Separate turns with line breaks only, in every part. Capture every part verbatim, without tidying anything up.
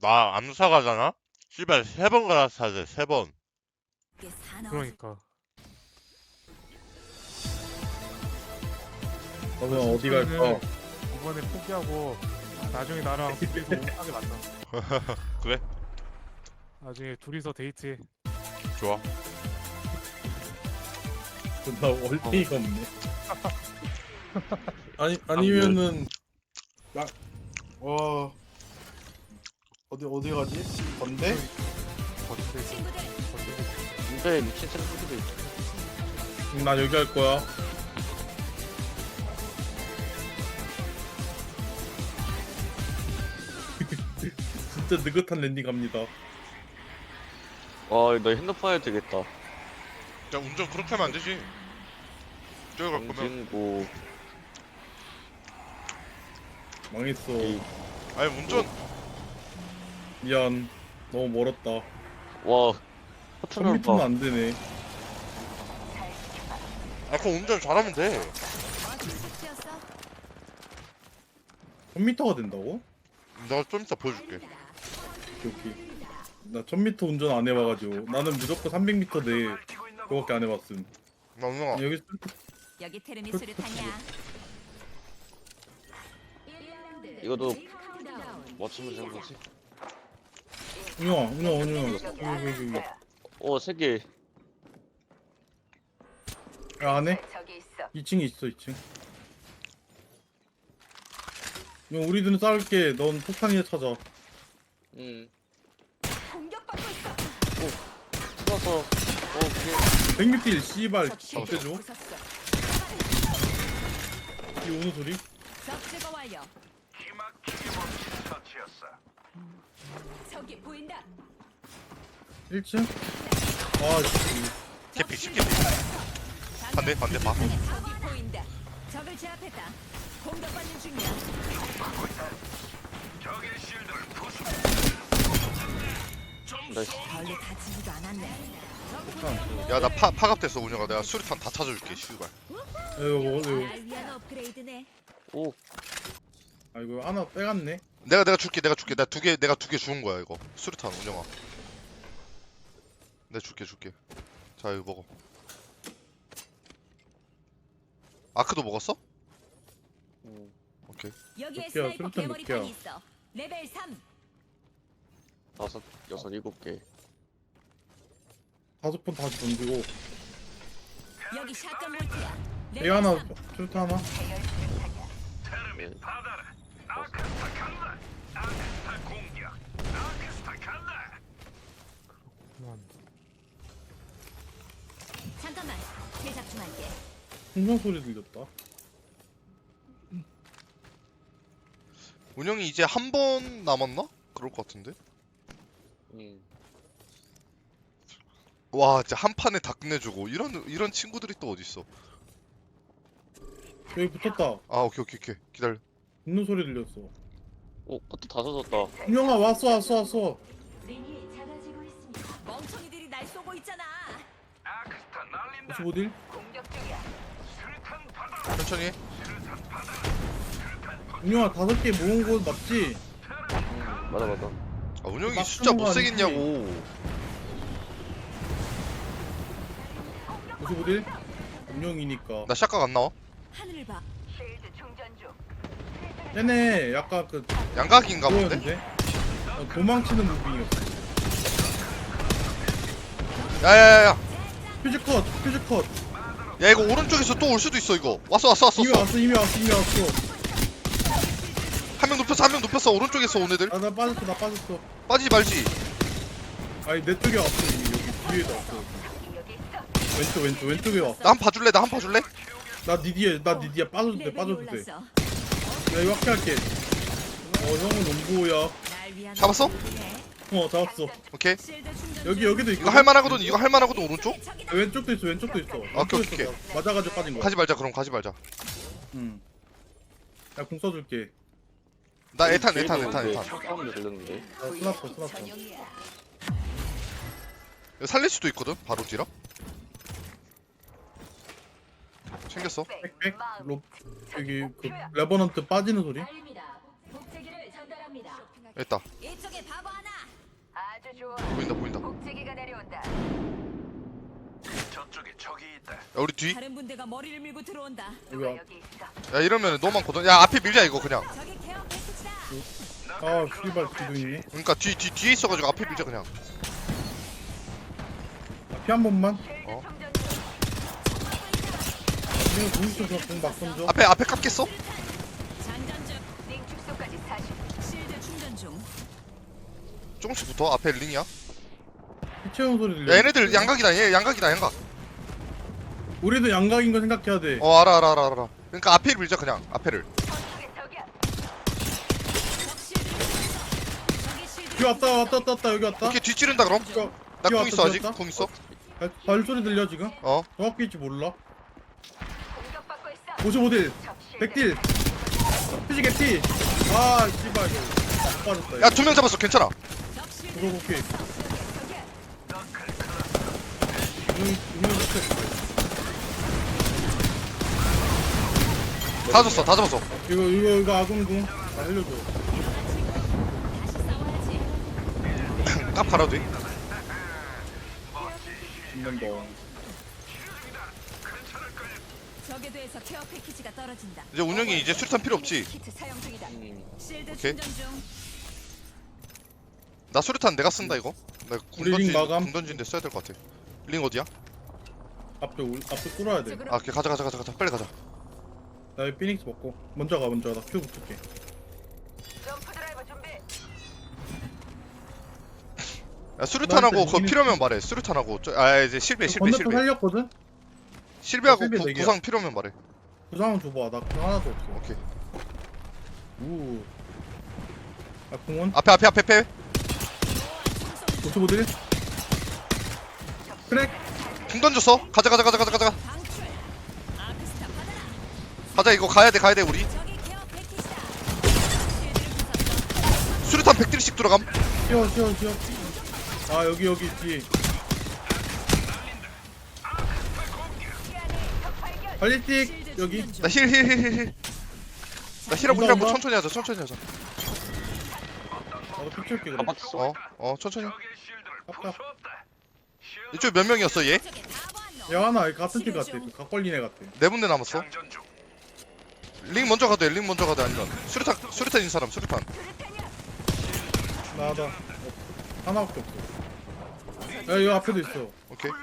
나 암사 가잖아? 씨발 세 번 갈아타야 돼, 세 번.
그러니까
그러면 어디 갈까?
이번에 포기하고 나중에 나랑 둘이서 오하게 만나.
그래?
나중에 둘이서 데이트해.
좋아.
나 월등이가 없네. 아니 아니면은 나 와 어디 어디 가지? 건대?
거기서
근데 미친 친구들도 있어.
응, 난 여기 갈 거야. 진짜 느긋한 랜딩 갑니다.
와, 너 핸드폰 해도 되겠다.
야, 운전 그렇게 하면 안 되지. 저기 갈 거면.
정진고.
망했어.
이-
아니, 운전.
미안. 너무 멀었다.
와,
천
허튼을
미터는
봐.
안 되네.
아, 그럼 운전 잘하면 돼.
천 미터가 된다고?
내가 좀 이따 보여줄게.
오케이, 오케이. 나 천 미터 운전 안 해봐가지고 나는 무조건 삼백 미터 내 그거밖에 안 해봤음.
나 운영아.
여기
여기 테르미 수류탄이야.
이것도 맞추면 되는 거지?
운영아, 운영아, 운영아. 여기, 여기, 여기.
어, 세 개.
야, 안에?
저기 있어.
이 층에 있어, 이 층. 형, 우리들은 싸울게. 넌 폭탄이나 찾아.
응.
공격받고 있어.
풀어서. 오케이.
백 미터 씨발
적시
잡대줘.
부쉈어.
이 오는 소리?
적 제거 완료. 저기 보인다.
일 층? 아, 씨.
캐피, 십캐피. 반대, 반대, 봐.
적이 보인다. 적을 제압했다. 공격받는 중이야.
나이스.
별로 다치지도 않았네.
야, 나 파, 파갑됐어, 운영아. 내가 수류탄 다 찾아줄게, 씨발.
야, 이거 먹어, 이거.
날 위한 업그레이드네.
오,
아, 이거 하나 빼갔네.
내가, 내가 줄게, 내가 줄게. 내가 두 개, 내가 두 개 주운 거야, 이거. 수류탄, 운영아. 내가 줄게, 줄게. 자, 이거 먹어. 아크도 먹었어?
음.
오케이.
여기에
몇 개야?
스나이퍼
수류탄 몇
개머리탄이
개야?
있어. 레벨 삼.
다섯, 여섯, 일곱 개.
다섯 번 다시 던지고.
여기 샷건 볼트야.
얘
레벨
하나,
삼.
출타 하나.
네.
그만.
잠깐만. 제작 좀 할게.
풍선 소리 들렸다.
운영이 이제 한 번 남았나? 그럴 것 같은데?
응.
와, 진짜 한 판에 다 끝내주고 이런 이런 친구들이 또 어딨어?
여기 붙었다.
아, 오케이 오케이 오케이. 기다려.
웃는 소리 들렸어.
오, 커트 다 젖었다.
운영아, 왔어, 왔어, 왔어.
멍청이들이 날 쏘고 있잖아.
오십오 딜?
공격 중이야.
천천히 해.
운영아, 다섯 개 모은 곳 맞지?
응, 맞아, 맞아.
아, 운영이
막
숫자 못
하는 거
세겠냐고.
오십오 딜? 운영이니까.
나 샷각 안 나와.
하늘을 봐. 쉴드 충전 중.
얘네 약간 그
양각인가 본데?
그거였는데? 어, 도망치는 무빙이었어.
야야야야.
퓨즈 컷, 퓨즈 컷.
야, 이거 오른쪽에서 또 올 수도 있어 이거. 왔어 왔어 왔어.
이미
왔어.
왔어, 이미 왔어, 이미 왔어.
한 명 눕혔어 한 명 눕혔어. 오른쪽에서 온 애들.
아, 나 빠졌어, 나 빠졌어.
빠지지 말지.
아니, 내 쪽에 왔어, 이미. 여기 뒤에도 왔어. 왼쪽, 왼쪽, 왼쪽에 왔어.
나 한 번 봐줄래? 나 한 번 봐줄래?
나니 뒤에, 나니 뒤에 빠져도 돼,
레벨이
빠져도 돼.
올랐어.
야, 이거 확실할게. 어, 형은 농구야.
날 위한
잡았어?
업그레이드네.
어, 잡았어.
오케이.
실드 충전
여기,
중.
여기도 있고.
이거 할만하거든. 이거 할만하거든 오른쪽.
적이다.
야, 왼쪽도 있어, 왼쪽도 있어.
오케이,
왼쪽도
오케이.
있어. 나 맞아가지고 빠진 거야.
가지 말자 그럼 가지 말자.
응. 야, 공 써줄게.
나 에탄 에탄 에탄 에탄.
사운드 들렸는데.
나 스나퍼, 스나퍼.
전용이야.
이거 살릴 수도 있거든. 바로 뒤라. 챙겼어.
백백? 로, 여기, 그, 레버넌트 빠지는 소리?
복제기를 전달합니다.
있다.
이쪽에 바보 하나.
아주 좋아.
보인다 보인다. 야
복제기가 내려온다.
우리 뒤.
다른 분대가 머리를 밀고 들어온다.
누가
여기
여기 있어.
야 이러면 너무 많거든. 야 앞에 밀자 이거 그냥.
저기 케어 패키지다.
아 씨발 뒤도 있네.
그러니까 뒤 뒤 뒤에 있어가지고 앞에 밀자 그냥.
피 한 번만.
어?
이거 공수 저공막 던져.
앞에 앞에 깎겠어?
장전 중.
링 축소까지 사십.
실드 충전 중.
조금씩 붙어. 앞에 링이야.
피 채운 소리 들려.
야 얘네들 양각이다. 얘 양각이다 양각.
우리도 양각인 거 생각해야 돼.
어 알아 알아 알아 알아. 그러니까 앞에를 밀자 그냥 앞에를.
저쪽에 적이야.
적 실드 충전. 저기 실드.
뒤 왔다 왔다 왔다 왔다 여기 왔다.
오케이 뒤 찌른다 그럼.
이거
나
뒤
궁
왔다,
있어
뒤
아직.
왔다.
궁 있어.
발- 발소리 들려 지금?
어.
정확히 있지 몰라.
공격받고 있어.
오십오 딜.
적 실드.
백 딜. 피지 개피. 아 씨발 이거. 못 빠졌다.
야 두 명 잡았어. 괜찮아.
적 실드.
이거 오케이.
저기야.
이거 이거 이거
다 줬어. 다 잡았어.
이거 이거 이거 아군궁. 다 살려줘.
다시 싸워야지.
딱 갈아도 돼.
죽는다.
적에 대해서 케어 패키지가 떨어진다.
이제 운영이 이제 수류탄 필요 없지.
키트 사용 중이다.
음.
실드
오케이.
충전 중.
나 수류탄 내가 쓴다 이거. 나궁
우리
던진
링 마감.
궁 던진데 써야 될 것 같아. 링 어디야?
앞에 올 앞에 뚫어야 돼.
아 오케이 가자 가자 가자 가자 빨리 가자.
나 이 피닉스 먹고 먼저 가 먼저 나 큐 붙을게.
점프 드라이버 준비.
야 수류탄하고
나한테
그거
이기는-
필요하면 말해. 수류탄하고 저, 아 이제 실베 실베
건너편
실베.
살렸거든.
실베하고
실베
구,
네 개야.
구상 필요하면 말해.
구상은 줘봐. 나 그거 하나도 없어.
오케이.
우. 아 공원.
앞에 앞에 앞에 앞에.
오십오 딜. 크랙.
궁 던졌어. 가자 가자 가자 가자 가자.
방출. 아크스타 받아라.
가자 이거 가야 돼 가야 돼 우리.
저기 케어 패키지다. 실드를 부쉈어.
수류탄 백 딜씩 들어감.
쉬어 쉬어 쉬어. 아 여기 여기 뒤에. 발리스틱
실드
여기.
충전 중.
나 힐 힐 힐 힐 힐. 나 힐하고 힐하고
온다.
천천히 하자 천천히 하자.
나도 피치올게 그래.
깜빡했어.
어 어 천천히.
깜빡.
이쪽 몇 명이었어 얘?
저기 바보 한 놈.
야 하나 같은 팀 같아. 그 각걸린 애 같아.
네 군데 남았어. 링 먼저 가도 돼. 링 먼저 가도 돼. 아니면 수류탄 수류탄인 사람 수류탄.
나다. 없어. 하나밖에 없어. 야 이거 앞에도 있어.
오케이.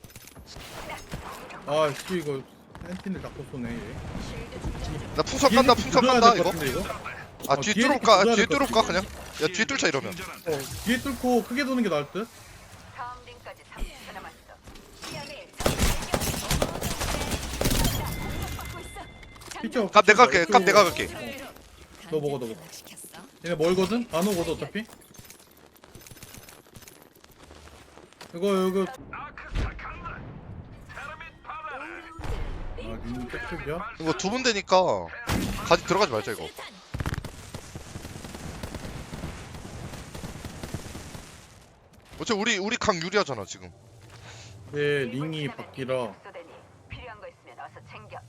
아씨 이거 센틴을 자꾸 쏘네 얘.
나 풍선 깐다 풍선
뒤에
깐다
뚫어야
이거.
될것 같은데, 이거?
아
어,
뒤에
뒤에
뚫을까?
뚫어야
뒤에
될것
뚫을까
같은데.
그냥? 야 뒤에 뚫자 이러면.
어 뒤에 뚫고 크게 도는 게 나을 듯?
다음 링까지 삼십 초 남았어. 시야를 공격받고 있어.
피치 없어.
값 내가 갈게. 값
이쪽으로.
내가 갈게.
너 먹어, 너 먹어.
시켰어.
얘네 멀거든? 안 오거든 어차피? 이거 이거 아 님 tek쪽이야?
이거 두 분 되니까 가지 들어가지 말자 이거. 어차피 우리 우리 강 유리하잖아 지금.
네 링이 바뀌라.
축소되니 필요한 거 있으면 어서 챙겨.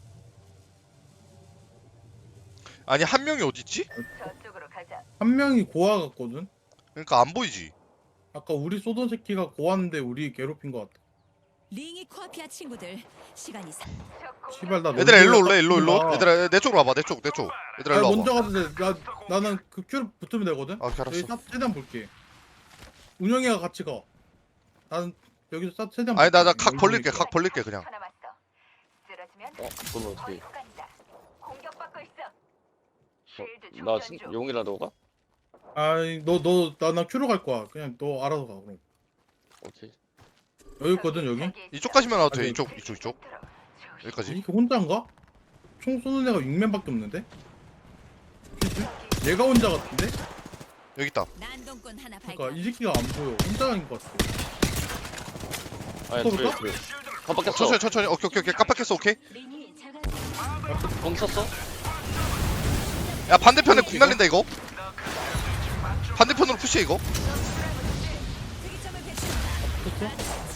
아니 한 명이 어디 있지?
저쪽으로 가자.
한 명이 고아 같거든?
그러니까 안 보이지.
아까 우리 쏘던 새끼가 고아인데 우리 괴롭힌 것 같아.
링이 코앞이야 친구들. 시간이 사.
적
씨발 나
얘들아 일로 올래 일로
나
일로. 얘들아 내 쪽으로 와봐 내 쪽 내 쪽. 얘들아
아니
일로
먼저
와봐.
가도 돼. 나 나는 그 큐를 붙으면 되거든.
아 오케이,
여기
알았어.
싹 최대한 볼게. 운영이가 같이 가. 나는 여기서 싹 최대한.
아니 나 나
볼게.
각 벌릴게 각 벌릴게 그냥.
초 남았어. 쓰러지면
어, 그러면 어떻게?
어디로 간다. 공격받고 있어. 쉴드
나
충전
신,
중.
용이라도 가?
아니 너너나나 큐로 갈 거야. 그냥 너 알아서 가 그럼.
오케이.
여기 있거든 여기.
저기 있어.
이쪽까지만 와도 돼.
아니,
이쪽 이쪽 이쪽.
들어. 조심.
여기까지.
이렇게 혼자인가? 총 쏘는 애가 육 맨밖에 없는데? 그치? 얘가 혼자 같은데?
여기 있다.
난동꾼 하나 발견.
그러니까 이 새끼가 안 보여. 혼자인 것 같아.
아니,
붙어볼까?
둘, 둘. 깜빡했어.
천천히 천천히. 오케이 오케이 오케이 깜빡했어 오케이.
링이 작아지.
공 쳤어?
야 반대편에 궁 날린다 이거. 반대편으로 푸시해 이거.
특이점을 배치한다.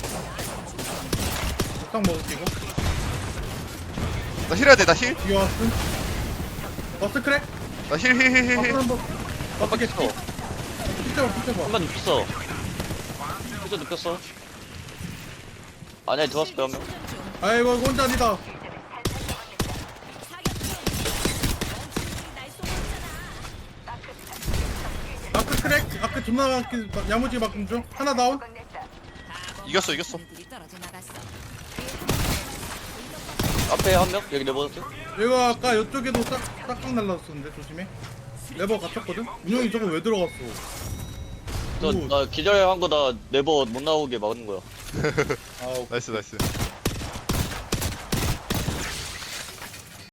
좋겠어? 딱 먹을게 이거.
나 힐해야 돼 나 힐.
뒤에 왔음. 버스 크랙?
나 힐 힐 힐 힐.
버스 한 번.
깜빡했어.
피자봐 피자봐.
한번 눕혔어. 피자 눕혔어. 아니야, 들어왔을 거야, 한 명.
충전 중.
아이고 이거 혼자 아니다.
사격 중. 멈추니 날 쏘았잖아.
아크 크랙. 아크 존나 막힌 야무지게 막힌 중. 하나 다운.
끝냈다.
이겼어 이겼어.
애들이 떨어져 나갔어.
앞에 한 명? 여기 내버렸어?
얘가 아까 이쪽에도 싹 싹싹 날라왔었는데 조심해. 레버 갇혔거든. 운영이 저거 왜 들어갔어?
저,
오.
나 기절한 거 나 네버 못 나오게 막는 거야.
아 오케이.
나이스 나이스.